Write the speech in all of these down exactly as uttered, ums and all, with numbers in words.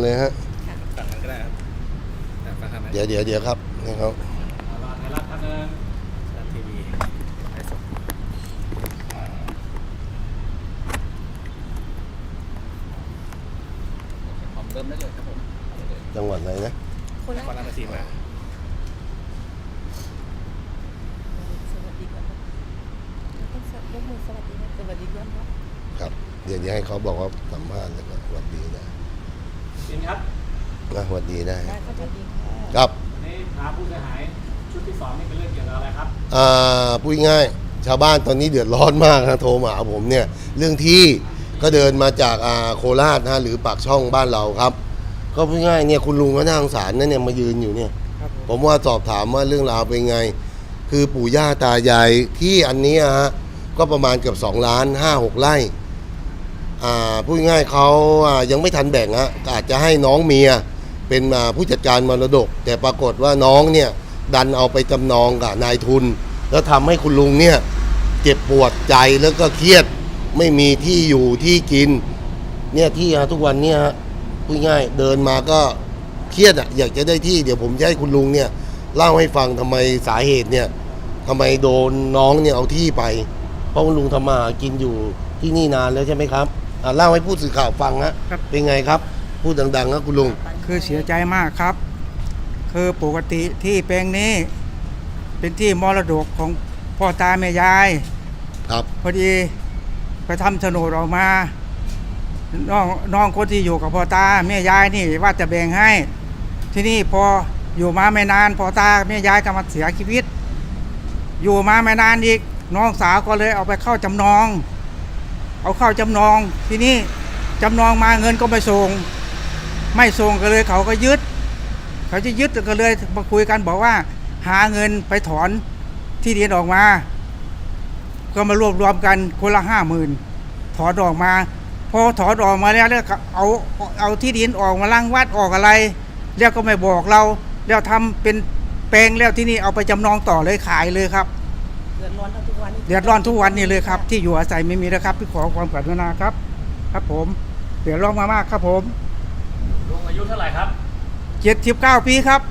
เลยฮะฝั่งนั้นก็ได้ครับฝั่งนั้นเดี๋ยวเดี๋ยวเดี๋ยวครับนี่เขารอไทยรัฐท่านนึงรัฐทีวีไลฟ์สดผมเริ่มได้เลยครับผมจังหวัดไหนนะโคราชราชสีมาสวัสดีก่อนต้องยกมือสวัสดีนะสวัสดีก่อนนะครับเดี๋ยวให้เขาบอกว่าสัมภาษณ์แล้วก็สวัสดีนะบินครับนะสวัสดีได้ได้สวัสดีค่ะครับนี่พาผู้เสียหายชุดที่สองนี่เป็นเรื่องเกี่ยวกับอะไรครับอ่าพูดง่ายชาวบ้านตอนนี้เดือดร้อนมากนะโทรมาหาผมเนี่ยเรื่องที่ก็เดินมาจากอ่าโคราชนะหรือปากช่องบ้านเราครับก็พูดง่ายเนี่ยคุณลุงก็น่าสงสารนะเนี่ยมายืนอยู่เนี่ยผมว่าสอบถามว่าเรื่องราวเป็นไงคือปู่ย่าตายายที่อันนี้ฮะก็ประมาณเกือบสองล้านห้าหกไร่อ่าพูดง่ายเขาอ่ายังไม่ทันแบ่งฮะอาจจะให้น้องเมียเป็นอ่าผู้จัดการมรดกแต่ปรากฏว่าน้องเนี่ยดันเอาไปจำนองกับนายทุนแล้วทำให้คุณลุงเนี่ยเจ็บปวดใจแล้วก็เครียดไม่มีที่อยู่ที่กินเนี่ยที่ฮะทุกวันเนี่ยฮะพูดง่ายเดินมาก็เครียดอ่ะอยากจะได้ที่เดี๋ยวผมจะให้คุณลุงเนี่ยเล่าให้ฟังทำไมสาเหตุเนี่ยทำไมโดนน้องเนี่ยเอาที่ไปเพราะคุณลุงทำมาหากินอยู่ที่นี่นานแล้วใช่ไหมครับอ่าเล่าให้ผู้สื่อข่าวฟังฮะเป็นไงครับพูดดังๆนะคุณลุงคือเสียใจมากครับคือปกติที่แปลงนี้เป็นที่มรดกของพ่อตาแม่ยายครับพอดีไปทำโฉนดออกมาน้องน้องคนที่อยู่กับพ่อตาแม่ยายนี่ว่าจะแบ่งให้ที่นี่พออยู่มาไม่นานพ่อตาแม่ยายก็มาเสียชีวิตอยู่มาไม่นานอีกน้องสาวก็เลยเอาไปเข้าจำนองเอาเข้าจำนองที่นี่จำนองมาเงินก็ไม่ส่งไม่ส่งก็เลยเขาก็ยึดเขาจะยึดก็เลยมาคุยกันบอกว่าหาเงินไปถอนที่ดินออกมาก็มารวบรวมกันคนละห้าหมื่นถอนออกมาพอถอนออกมาแล้วแล้วเอาเอาที่ดินออกมาล้างวัดออกอะไรแล้วก็ไม่บอกเราแล้วทำเป็นแปลงแล้วที่นี่เอาไปจำนองต่อเลยขายเลยครับเดือดร้อนทุกวันเดือดร้อนทุกวันนี่เลยครับที่อยู่อาศัยไม่มีนะครับพี่ขอความกรุณาครับครับผมเดือดร้อนมากๆครับผมลุงอายุเท่าไหร่ครับเจ็ดสิบเก้าปีครับ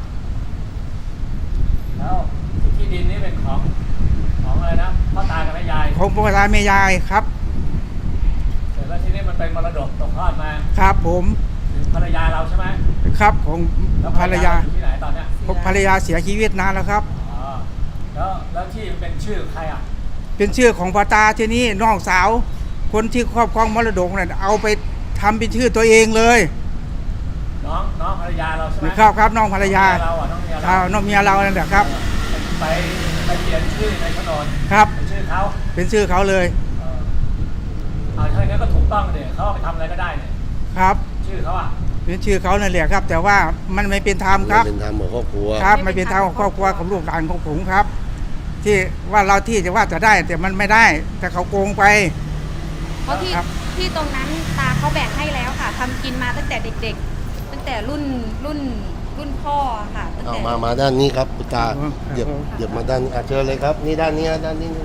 แล้วที่ดินนี้เป็นของของอะไรนะพ่อตากับแม่ยายของพ่อตาแม่ยายครับเสร็จแล้วที่นี่มันเป็นมรดกตกทอดมาครับผมภรรยาเราใช่ไหมครับของภรรยาอยู่ที่ไหนตอนเนี้ยภรรยาเสียชีวิตนานแล้วครับอ๋อแล้วแล้วที่เป็นชื่อใครอ่ะเป็นชื่อของพ่อตาที่นี่น้องสาวคนที่ครอบครองมรดกเนี่ยเอาไปทำเป็นชื่อตัวเองเลยน้องน้องภรรยาเราใช่ไหมครับครับน้องภรรยาเราอ่ะน้องเมียเราน้องเมียเรานั่นแหละครับไปไปเปลี่ยนชื่อในโฉนดครับเป็นชื่อเขาเป็นชื่อเขาเลยเออเอาถ้าอย่างนั้นก็ถูกต้องเลยเขาไปทำอะไรก็ได้เนี่ยครับชื่อเขาอ่ะเป็นชื่อเขานั่นแหละครับแต่ว่ามันไม่เป็นธรรมครับไม่เป็นธรรมของครอบครัวครับไม่เป็นธรรมของครอบครัวของลูกหลานของผมครับที่ว่าเราที่จะว่าจะได้แต่มันไม่ได้แต่เขาโกงไปเพราะที่ที่ตรงนั้นตาเขาแบ่งให้แล้วค่ะทำกินมาตั้งแต่เด็กๆตั้งแต่รุ่นรุ่นรุ่นพ่อค่ะตั้งแต่มามาด้านนี้ครับคุณตาเดี๋ยวเดี๋ยวมาด้านนี้เชิญเลยครับนี่ด้านนี้ด้านนี้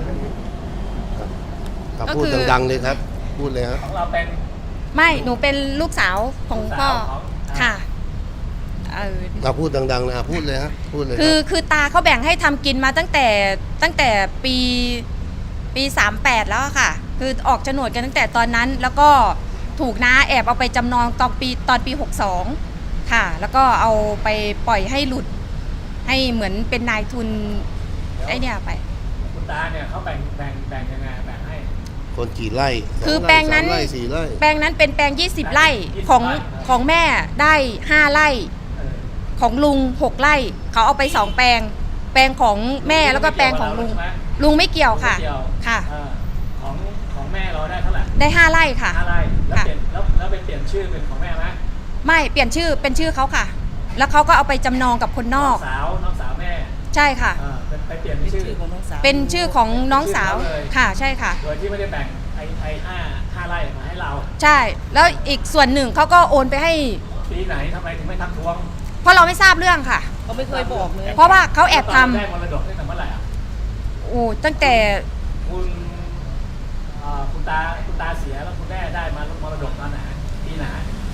ครับพูดดังๆเลยครับพูดเลยครับของเราเป็นไม่หนูเป็นลูกสาวของพ่อค่ะเออเราพูดดังๆนะพูดเลยฮะพูดเลยคือคือตาเขาแบ่งให้ทำกินมาตั้งแต่ตั้งแต่ปีปีสามแปดแล้วค่ะคือออกโฉนดกันตั้งแต่ตอนนั้นแล้วก็ถูกน้าแอบเอาไปจำนองตอนปีตอนปีหกสองค่ะแล้วก็เอาไปปล่อยให้หลุดให้เหมือนเป็นนายทุนไอ้เนี่ยไปคุณตาเนี่ยเขาแบ่งแบ่งแบ่งยังไงแบ่งให้คนกี่ไร่คือแปลงนั้นแปลงนั้นเป็นแปลงยี่สิบไร่ของของแม่ได้ห้าไร่ของลุงหกไร่เขาเอาไปสองแปลงแปลงของแม่แล้วก็แปลงของลุงลุงไม่เกี่ยวค่ะค่ะของของแม่เราได้เท่าไหร่ได้ห้าไร่ค่ะห้าไร่แล้วเปลี่ยนแล้วแล้วไปเปลี่ยนชื่อเป็นของแม่ไหมไม่เปลี่ยนชื่อเป็นชื่อเขาค่ะแล้วเขาก็เอาไปจำนองกับคนนอกน้องสาวน้องสาวแม่ใช่ค่ะไปเปลี่ยนชื่อของน้องสาวเป็นชื่อของน้องสาวค่ะใช่ค่ะโดยที่ไม่ได้แบ่งไอ้ไอ้ห้าห้าไร่มาให้เราใช่แล้วอีกส่วนหนึ่งเขาก็โอนไปให้ปีไหนทำไมถึงไม่ทักท้วงเพราะเราไม่ทราบเรื่องค่ะเขาไม่เคยบอกเลยเพราะว่าเขาแอบทำได้มรดกตั้งแต่เมื่อไหร่อ่ะโอ้ตั้งแต่คุณคุณตาคุณตาเสียแล้วคุณแม่ได้มามรดกตอนไหนปีไหน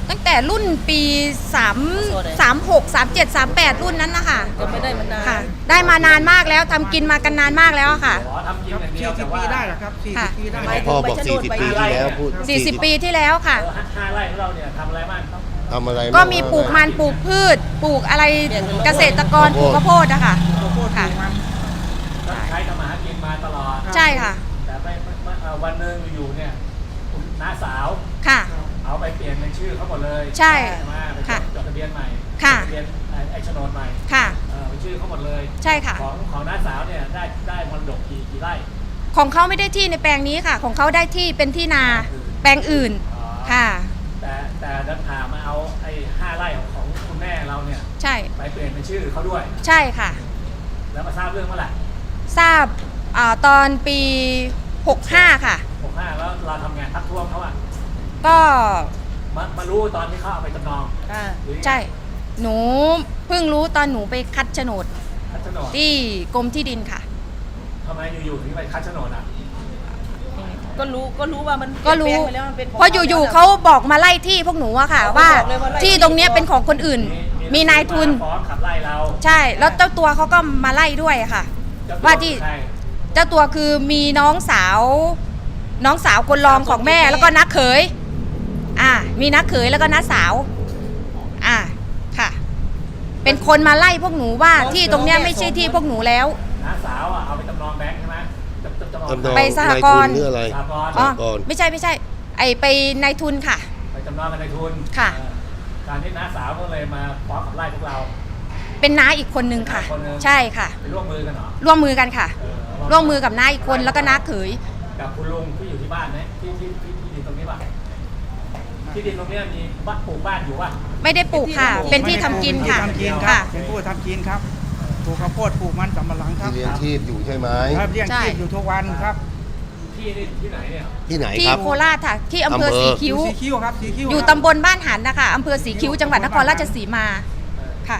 ตั้งแต่รุ่นปีสาม สามหก สามเจ็ด สามแปดรุ่นนั้นนะคะก็ไม่ได้มานานค่ะ ได้มานานมากแล้วทำกินมากันนานมากแล้วอะค่ะขอทำกินครับอย่างเดียวสี่สิแต่บว่าปีได้เหรอครับสี่ค่ะสิบปีได้หมายถึงพ่อบอกใบชะโนสี่ดสิบใบปีไร่ที่แล้วพูดสี่สิบปีที่แล้วค่ะเออห้าไร่ของเราเนี่ยทำอะไรบ้างต้องทำอะไรก็บ้างมีปลูกมันปลูกพืช ปลูกอะไรเกษตรกรปลูกข้าวโพดอะค่ะข้าวโพดค่ะปลูกมันใช้ทำมาหากินมาตลอดใช่ค่ะแต่ไม่ไม่ไม่เอ่อวันหนึ่งอยู่เนี่ยคุณน้าสาวค่ะเอาไปเปลี่ยนเป็นชื่อเขาหมดเลยใช่ไหมไปจค่ะดจดทะเบียนใหม่ค่ะจดทะเบียนไอ้ไอ้โฉนดใหม่ค่ะเออเป็นชื่อเขาหมดเลยใช่ค่ะของของน้าสาวเนี่ยได้ได้มรดกกี่กี่ไร่ของเขาไม่ได้ที่ในแปลงนี้ค่ะ ของเขาได้ที่เป็นที่นาแปลงอื่นอ๋อค่ะแต่แต่เดินทางมาเอาไอ้ห้าไร่ของของคุณแม่เราเนี่ยใช่ไปเปลี่ยนเป็นชื่อเขาด้วยใช่ค่ะแล้วมาทราบเรื่องเมื่อไหร่ทราบอาตอนปีหกห้าค่ะหกห้าแล้วเราทำงานทักท้วงเขาอะก็มามารู้ตอนที่เขาเอาไปจำนองอ่าหรือยังไงใช่ หนูเพิ่งรู้ตอนหนูไปคัดโฉนดคัดโฉนดที่กรมที่ดินค่ะทำไมอยู่ๆถึงไปคัดโฉนดอ่ะก็รู้ก็รู้ว่ามันก็รู้เปลี่ยนแปลงไปแล้วมันเป็นขงเพราะอยู่ๆเขาบอกมาไล่ที่พวกหนูอะค่ะเขาว่าบอกเลยว่าไล่ที่ตรงเนี้ยเป็นของคนอื่น มีนายทุนฟ้องขับไล่เราใช่ แล้วเจ้าตัวเขาก็มาไล่ด้วยอะค่ะเจ้ตัวว่าที่ใครเจ้าตัวคือมีน้องสาว น้องสาวคนรองของแม่แล้วก็นักเขย อ่า มีนักเขยแล้วก็น้าสาว อ่า ค่ะ เป็นคนมาไล่พวกหนูว่าที่ตรงเนี้ยไม่ใช่ที่พวกหนูแล้วน้าสาวอ่ะเอาไปจำนองแบงค์ใช่ไหมจำจำจำนองจำนองไปสหกรณ์นายทุนหรืออะไรสหกรณ์อ๋อก่อนไม่ใช่ไม่ใช่ ไอไปนายทุนค่ะไปจำนองกันในทุนค่ะเออการที่น้าสาวก็เลยมาฟ้องขับไล่พวกเราเป็นน้าอีกคนนึงค่ะเป็นน้าคนนึงใช่ค่ะไปร่วมมือกันเหรอร่วมมือกันค่ะเออร่วมมือกับน้าอีกคนแล้วก็น้าเขยกับคุณลุงที่อยู่ที่บ้านไหมที่ที่ที่ที่ดินตรงนี้ป่ะที่ดินตรงเนี้ยมีบ้านปลูกบ้านอยู่ป่ะไม่ได้ปลูกค่ะ เป็นที่ทำกินค่ะเป็นที่ทำกินครัค่ะบเป็นผู้ทำกินครับปลูกข้าวโพดปลูกมันสำปะหลังครับที่เลี้ยงชีพอยู่ใช่ไหมครับเลี้ยงใช่ชีพอยู่ทุกวันครับที่นี่ที่ไหนเนี่ยที่ไหนที่ครับโคราชค่ะ ที่อำเภออำเภอสีคิ้วสีคิ้วครับสีคิ้วอยู่ครับตำบลบ้านหันนะคะอำเภอสีคิ้วจังหวัดนครราชสีมาเออค่ะ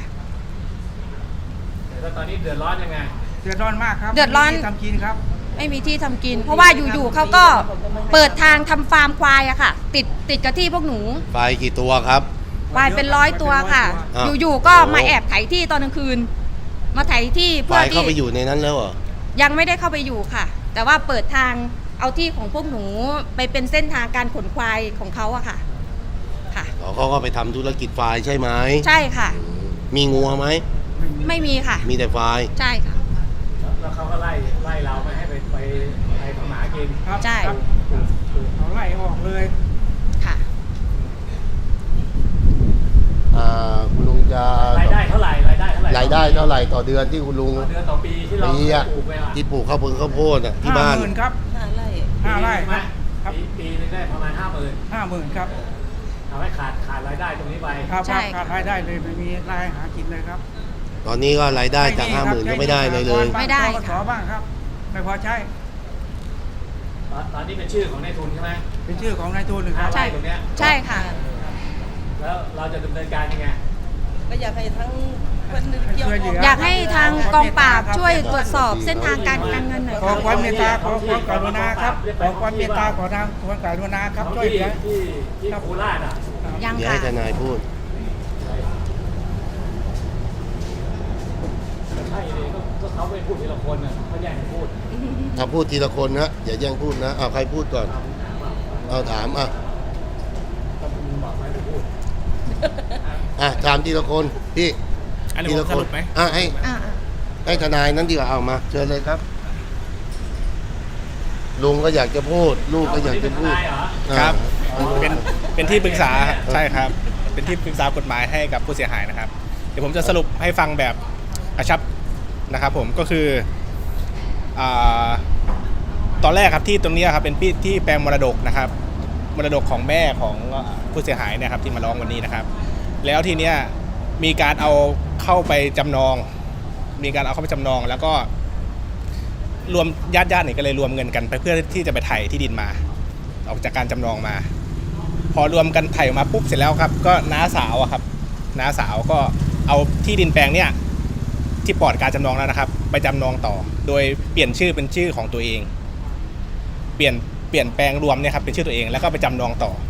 แล้วตอนนี้เดือดร้อนยังไงเดือดร้อนมากครับเดือดร้อนไม่มีที่ทำกินครับไม่มีที่ทำกิน เพราะว่าอยู่ๆเขาก็เปิดทางทำฟาร์มควายอะค่ะ ติดติดกับที่พวกหนูไฟกี่ตัวครับควายเป็นร้อยตัวค่ะอ้าวอยู่ๆก็มาโอ้แอบไถที่ตอนกลางคืน มาไถที่ไฟเพื่อเข้าที่ไปอยู่ในนั้นแล้วเหรอยังไม่ได้เข้าไปอยู่ค่ะ แต่ว่าเปิดทางเอาที่ของพวกหนูไปเป็นเส้นทางการขนควายของเขาอะค่ะ ค่ะอ๋อเขาก็ไปทำธุรกิจไฟใช่ไหมใช่ค่ะมีงัวไหมไม่มีค่ะมีแต่ไฟใช่ค่ะแล้วแล้วเขาก็ไล่ไล่เราไม่ให้ไปไปไปทำหมากินครับใช่ครับปลูกปลูกเอาไล่ออกเลยค่ะอ่าคุณลุงจะรายได้เท่าไหร่รายได้เท่าไหร่รายได้เท่าไหร่ต่อเดือนที่คุณลุงต่อเดือนต่อปีที่เราปีอะปลูกไปอ่ะที่ปลูกข้าวโพดข้าวโพดอ่ะที่บ้านห้าหมื่นครับห้าไร่ห้าไร่ปีหนึ่งคไหมรับครับปีปีนึงได้ประมาณห้าหมื่นห้าหมื่นครับทำให้ขาดขาดรายได้ตรงนี้ไปครับใช่ครับขาดรายได้เลยไม่มีรายหากินเลยครับตอนนี้ก็รายได้จากห้าหมื่นก็ไม่ได้เลยเลยไม่ได้ขอบ้างครับ ไม่พอใช้ตอนตอนนี้เป็นชื่อของนายทุนใช่ไหมเป็นชื่อของนายทุนคห้ารับไร่ตรงเนี้ยใช่ค่ะแล้วเราจะดำเนินการยังไงก็อยากให้ทั้งคนเกี่ยวข้องอยากให้ทางกองปราบช่วยตรวจสอบเส้นทางการการเงินหน่อยขอค่ะความเมตตาขอความกรุณาครับขอความเมตตาขอทางความกรุณาครับของช่วยที่เหลือที่ที่โคราชอ่ะยังเดี๋ยวค่ะให้ทนายพูดใช่เลยก็ก็เขาไม่พูดทีละคนอ่ะเขาแย่งกันพูดถ้าพูดทีละคนนะอย่าแย่งพูดนะเอาใครพูดก่อน เอาถามอ่ะก็มึงบอกไม่ไปพูดอ่ะถามทีละคนพี่อันนี้ทีผละมคสนรุปไหมอ่ะให้อ่าให้ทนายนั้นดีกว่าเอามาเชิญเลยครับ ลุงก็อยากจะพูด ลูกก็อยากจะพูดครับอ่าเป็นเป็นที่ปรึกษาใช่ครับ เป็นที่ปรึกษากฎหมายให้กับผู้เสียหายนะครับ เดี๋ยวผมจะสรุปให้ฟังแบบกระชับนะครับ ผมก็คืออ่าตอนแรกครับที่ตรงนี้ครับเป็นที่ที่แปลงมรดกนะครับ มรดกของแม่ของผู้เสียหายเนะครับที่มาร้องวันนี้นะครับ แล้วทีเนี้ยมีการเอาเข้าไปจำนอง มีการเอาเข้าไปจำนอง แล้วก็รวมญาติญาติเนี่ยก็เลยรวมเงินกันไปเพื่อที่จะไปไถ่ที่ดินมา ออกจากการจำนองมา พอรวมกันไถ่ออกมาปุ๊บเสร็จแล้วครับ ก็น้าสาวอะครับน้าสาวก็เอาที่ดินแปลงเนี่ยที่ปลอดการจำนองแล้วนะครับ ไปจำนองต่อ โดยเปลี่ยนชื่อเป็นชื่อของตัวเอง เปลี่ยนเปลี่ยนแปลงรวมเนี่ยครับเป็นชื่อตัวเองแล้วก็ไปจำนองต่อ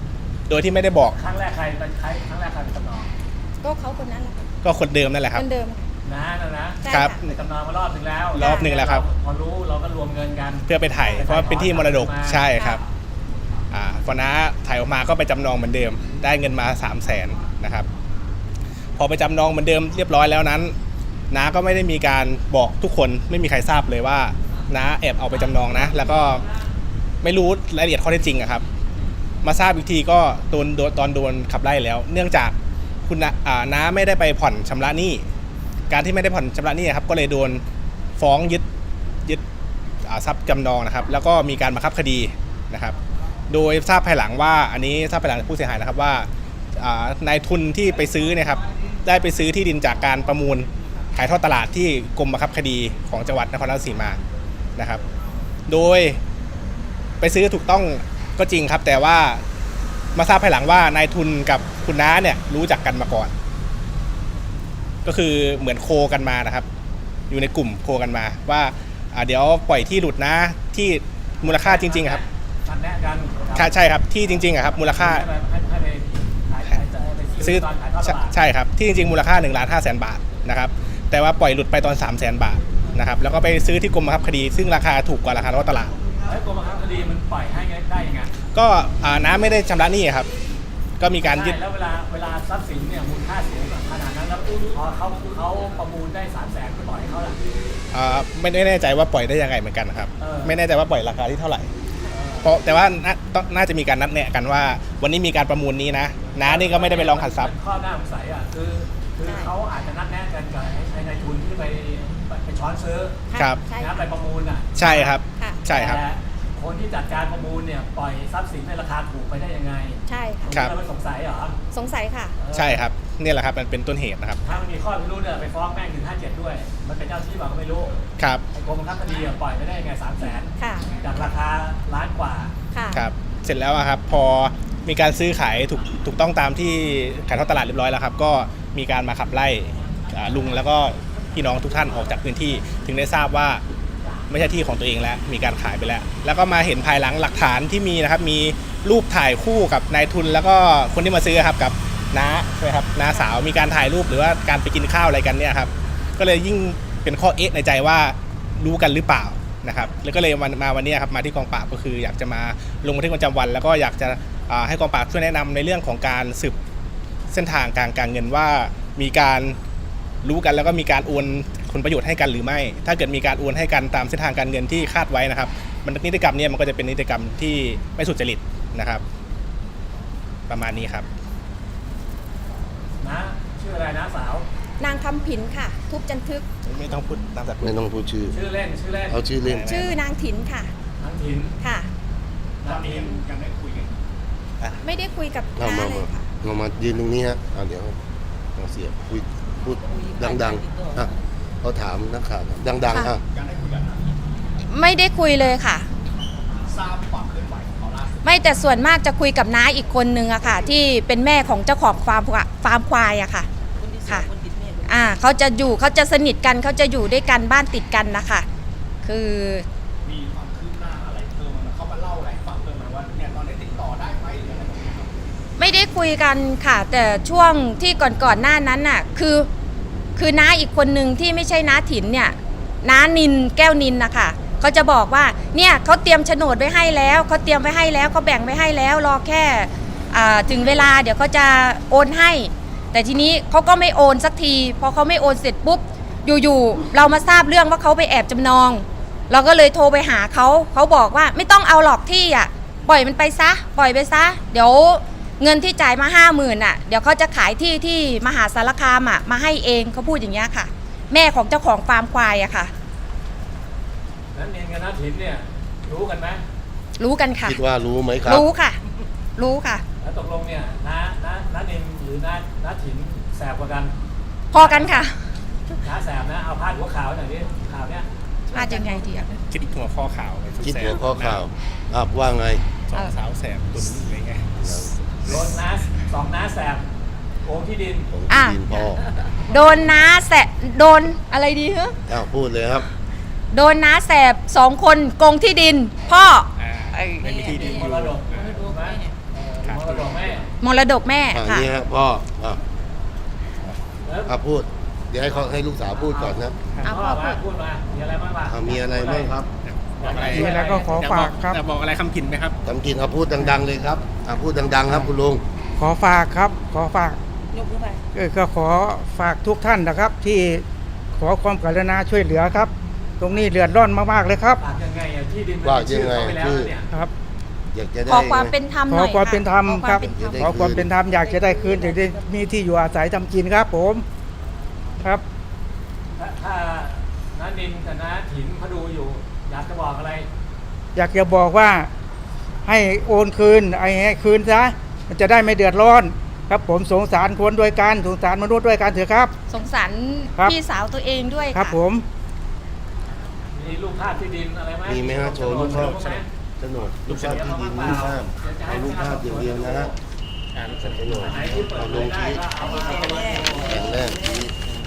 โดยที่ไม่ได้บอกครั้งแรกใครเป็นใครครั้งแรกใครเป็นจำนองก็เขาคนนั้นแหละค่ะก็คนเดิมนั่นแหละครับคนเดิมค่ะน้านะนะใช่ครับค่ะไปจำนองมารอบหนึ่งแล้วรอบหนึ่งแล้วครับพอรู้เราก็รวมเงินกันเพื่อไปถ่ายเพราะว่าเป็นที่มรดกใช่ครับอ่าพอน้าถ่ายออกมาก็ไปจำนองเหมือนเดิม ได้เงินมาสามแสนนะครับพอไปจำนองเหมือนเดิมเรียบร้อยแล้วนั้นน้าก็ไม่ได้มีการบอกทุกคนไม่มีใครทราบเลยว่าน้าแอบเอาไปจำนองนะแล้วก็ไม่รู้รายละเอียดข้อเท็จจริงอะครับมาทราบอีกทีก็โดนโดนตอนโดนขับไล่แล้ว เนื่องจากคุณน้าอ่าน้าไม่ได้ไปผ่อนชำระหนี้การที่ไม่ได้ผ่อนชำระหนี้ครับก็เลยโดนฟ้องยึดยึดอ่าทรัพย์จำนองนะครับแล้วก็มีการบังคับคดีนะครับโดยทราบภายหลังว่าอันนี้ทราบภายหลังจากผู้เสียหายนะครับว่าอ่านายทุนที่ไปซื้อเนี่ยครับได้ไปซื้อที่ดินจากการประมูลขายทอดตลาดที่กรมบังคับคดีของจังหวัดนครราชสีมานะครับโดยไปซื้อถูกต้องก็จริงครับแต่ว่ามาทราบภายหลังว่านายทุนกับคุณน้าเนี่ยรู้จักกันมาก่อนก็คือเหมือนโคกันมานะครับอยู่ในกลุ่มโคกันมาว่าอ่าเดี๋ยวปล่อยที่หลุดนะที่มูลค่าจริงๆอะครับนัดแนะกันค่ะใช่ครับที่จริงๆอะครับมูลค่าให้ไปให้ให้ไปขายขายไปซื้อตอนขายทอดตใช่ลาดใช่ครับที่จริงๆมูลค่าหนึ่งล้านห้าแสนบาทนะครับแต่ว่าปล่อยหลุดไปตอนสามแสนบาทนะครับแล้วก็ไปซื้อที่กรมบังคับคดีซึ่งราคาถูกกว่าราคาท้องตลาดแล้วกรมบังคับคดีมันปล่อยให้ได้ยังไงก็อ่าน้าไม่ได้ชำระหนี้ครับก็มีการยึดใช่แล้วเวลาเวลาทรัพย์สินเนี่ยมูลค่าสูงขนาดนั้นแล้วพอเขาเขาประมูลได้สามแสนก็ปล่อยเขาละอ่าไม่ได้แน่ใจว่าปล่อยได้ยังไงเหมือนกันนะครับเออไม่แน่ใจว่าปล่อยราคาที่เท่าไหร่เพราะแต่ว่าน่าต้องน่าจะมีการนัดแนะกันว่า วันนี้มีการประมูลนี้นะน้านี่ก็ไม่ได้ไปร้องขัดทรัพย์ข้อหน้าสงสัยอ่ะคือคือเขาอาจจะนัดแนะกันกับไอ้นายทุนที่ไปไปช้อนซื้อครับใช่นะค่ะไปประมูลอ่ะใช่ครับค่ะใช่ครับแต่คนที่จัดการประมูลเนี่ยปล่อยทรัพย์สินในราคาถูกไปได้ยังไงใช่ค่ะครับเราไม่สงสัยเหรอสงสัยค่ะเออใช่ครับนี่แหละครับมันเป็นต้นเหตุนะครับถ้ามันมีข้อพิรุธเนี่ยไปฟ้องแม่งถึงห้าเจ็ดด้วย มันเป็นเจ้าที่บอกก็ไม่รู้ครับไอ้กรมบังคับคดีอะปล่อยไปได้ยังไงสามแสนค่ะจากราคาล้านกว่าค่ะครับเสร็จแล้วอะครับพอมีการซื้อขายถูกถูกต้องตามที่ขายทอดตลาดเรียบร้อยแล้วครับก็มีการมาขับไล่อ่าลุงแล้วก็พี่น้องทุกท่านออกจากพื้นที่ถึงได้ทราบว่าไม่ใช่ที่ของตัวเองแล้วมีการขายไปแล้ว แล้วก็มาเห็นภายหลังหลักฐานที่มีนะครับมีรูปถ่ายคู่กับนายทุนแล้วก็คนที่มาซื้อครับกับน้าใช่ไหมครับน้าสาวมีการถ่ายรูปหรือว่าการไปกินข้าวอะไรกันเนี่ยครับก็เลยยิ่งเป็นข้อเอ๊ะในใจว่ารู้กันหรือเปล่านะครับแล้วก็เลยมามาวันนี้ครับมาที่กองปราบก็คืออยากจะมาลงบันทึกประจำวัน แล้วก็อยากจะอ่าให้กองปราบช่วยแนะนำในเรื่องของการสืบเส้นทางการการเงินว่ามีการรู้กันแล้วก็มีการโอนผลประโยชน์ให้กันหรือไม่ ถ้าเกิดมีการโอนให้กันตามเส้นทางการเงินที่คาดไว้นะครับมันนิติกรรมเนี่ยมันก็จะเป็นนิติกรรมที่ไม่สุจริตนะครับ ประมาณนี้ครับนะชื่ออะไรนะสาวนางคำผินค่ะ ทุบจันทึกไม่ต้องพูดตามสัตว์ไม่ต้องพูดชื่อชื่อเล่นชื่อเล่นเอาชื่อเล่นชื่อนางถินค่ะทั้งถิ่นค่ะนักถิ่นยังได้คุยกันไม่ได้คุยกับเอาน้ามาเลยค่ะเรามายืนตรงนี้ฮะอ่าเดี๋ยวเราเสียบพูดพูดดังๆอ่ะเขาถามนักข่าวดังๆอ่ะไม่ได้คุยเลยค่ะทราบความเคลื่อนไหวของเขาล่าสุดไม่แต่ส่วนมากจะคุยกับน้าอีกคนนึงอะค่ะ ที่เป็นแม่ของเจ้าของฟาร์มควาฟาร์มควายอะค่ะคนที่สอค่ะงคนติดแม่คนที่อ่าเขาจะอยู่เขาจะสนิทกันเขาจะอยู่ด้วยกันบ้านติดกันนะคะคือมีความคืบหน้าอะไรเพิ่มไหมเขามาเล่าอะไรให้ฟังเพิ่มไหมว่าเนี่ยตอนนี้ติดต่อได้ไหมหรืออะไรแบบนี้ครับไม่ได้คุยกันค่ะ แต่ช่วงที่ก่อนๆหน้านั้นน่ะคือคือน้าอีกคนนึงที่ไม่ใช่น้าถินเนี่ยน้านินแก้วนินนะคะเขาจะบอกว่าเนี่ยเขาเตรียมโฉนดไว้ให้แล้วเขาเตรียมไว้ให้แล้วเขาแบ่งไว้ให้แล้วรอแค่อ่าถึงเวลาเดี๋ยวเขาจะโอนให้ แต่ทีนี้เขาก็ไม่โอนสักทีพอเขาไม่โอนเสร็จปุ๊บอยู่ๆเรามาทราบเรื่องว่าเขาไปแอบจำนอง เราก็เลยโทรไปหาเขาเขาบอกว่าไม่ต้องเอาหรอกที่อ่ะปล่อยมันไปซะปล่อยไปซะเดี๋ยวเงินที่จ่ายมาห้าหมื่นอ่ะเดี๋ยวเขาจะขายที่ที่มหาสารคามอ่ะมาให้เองเขาพูดอย่างเงี้ยค่ะ แม่ของเจ้าของฟาร์มควายอะค่ะนั้นเนียนกับนักถิ่นเนี่ยรู้กันไหมรู้กันค่ะคิดว่ารู้ไหมครับรู้ค่ะ รู้ค่ะแล้วตกลงเนี่ยน้าน้าน้าเนียนหรือน้าน้าถิ่นแสบกว่ากันพอกันค่ะน้าแสบนะเอาพาดหัวข่าวหน่อยดิข่าวเนี้ยมาจากไงดีอ่ะคิดหัวข้อข่าวคิดหัวข้อข่าวอ่ะว่าไงสองสาวแสบตุนอะไรเงี้ยโดนน้าสองน้าแสบโกงที่ดินของอ่ะทีมพ่อโดนน้าแสบโดนอะไรดีฮะอ้าวพูดเลยครับโดนน้าแสบสองคนโกงที่ดิน พ่ออ่าไม่มีที่ดินอมยู่รดกอ่าถูกไหมเออครับมรดกแม่มรดกแม่อ่าค่ะนี่ฮะพ่ออ่ะแล้วอ่ะพูด เดี๋ยวให้เขาให้ลูกสาวพูดก่อนนะเอาพ่พ่ออมาพูดพูดมามีอะไรบ้างล่ะอ่ะมีอะไรบ้างครับบอกอะไรมีอะไรก็ขอฝากครับอยากบอกอะไรคำผินไหมครับทำกินเอาพูดดัง ๆ เลยครับอ่ะพูดดัง ๆ ครับคุณลุงขอฝากครับ ขอฝากยกมือไปเออก็ขอฝากทุกท่านนะครับ ที่ขอความกรุณาช่วยเหลือครับ ตรงนี้เดือดร้อนมากๆเลยครับฝากยังไงอ่ะที่ดินมันว่าเป็นชื่อยังไงเขาไปแล้วชื่อเนี่ยครับอยากจะได้ขอความเป็นธรรมขหอน่อยความเป็นธรรมขอครับวามเป็นธรรมได้ขอความเป็นธรรมอยากจะได้คืนอยากได้มีที่อยู่อาศัยทำกินครับผมครับถ้าถ้าน้านินกับน้าถินเขาดูอยู่ อยากจะบอกอะไรอยากจะบอกว่าให้โอนคืนไอ้ให้คืนซะมันจะได้ไม่เดือดร้อน ครับผมสงสารคนด้วยกันสงสารมนุษย์ด้วยกันเถอะครับสงสารครับพี่สาวตัวเองด้วยครับค่ะผมมีรูปภาพที่ดินอะไรไหมมีไหมฮะโชว์รูปภาพโฉนดโฉนดรูปภาพที่ดินรูปภาพเอารูปภาพอย่างเดียวนะฮะโฉนดไหนที่เปิดเอาเผลยงได้ที่ก็เอามาเอามาแผ่นแรกที่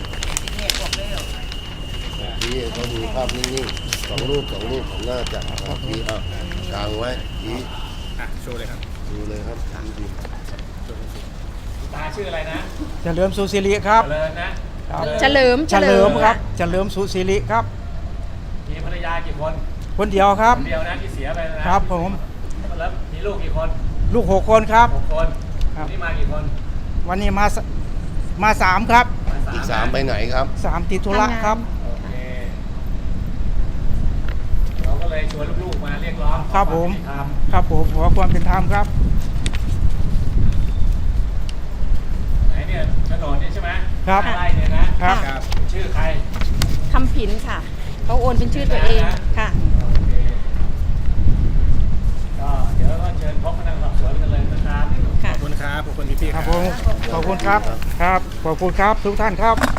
ที่เขาดูภาพนิ่งๆสองรูปสองรูปของหน้าจักรครับที่อ่ะกลางไว้ที่อ่ะ โชว์เลยครับดูเลยครับที่ดินตาชื่ออะไรนะเฉลิมสุศิริครับเจริญนะครับเฉลิมเฉลิมครับเฉลิมสุศิริครับมีภรรยากี่คนคนเดียวครับคนเดียวนะที่เสียไปนะครับผมแล้วมีลูกกี่คนลูกหกคนครับหกคนครับนี่มากี่คนวันนี้มาสมาสามครับมาอีกสามไปไหนครับสามติดธุระครับโอเคเราก็เลยชวนลูกๆมาเรียกร้องครับผมขอวายุติธรรมครับผมขอความเป็นธรรมครับไหนเนี่ยโฉนดนี่ใช่ไหมครับไร่เนี่ยนะครับครับชื่อใครคำผินค่ะเขาโอนเป็นชื่อตัวเองค่ะโอเคก็เดี๋ยวก็เชิญพบพนักงานสอบสวนกันเลยนะครับขอบคุณครับ ขอบคุณพี่ๆคครัรับบ ผมขอบคุณครับครับขอบคุณครับทุกท่านครับ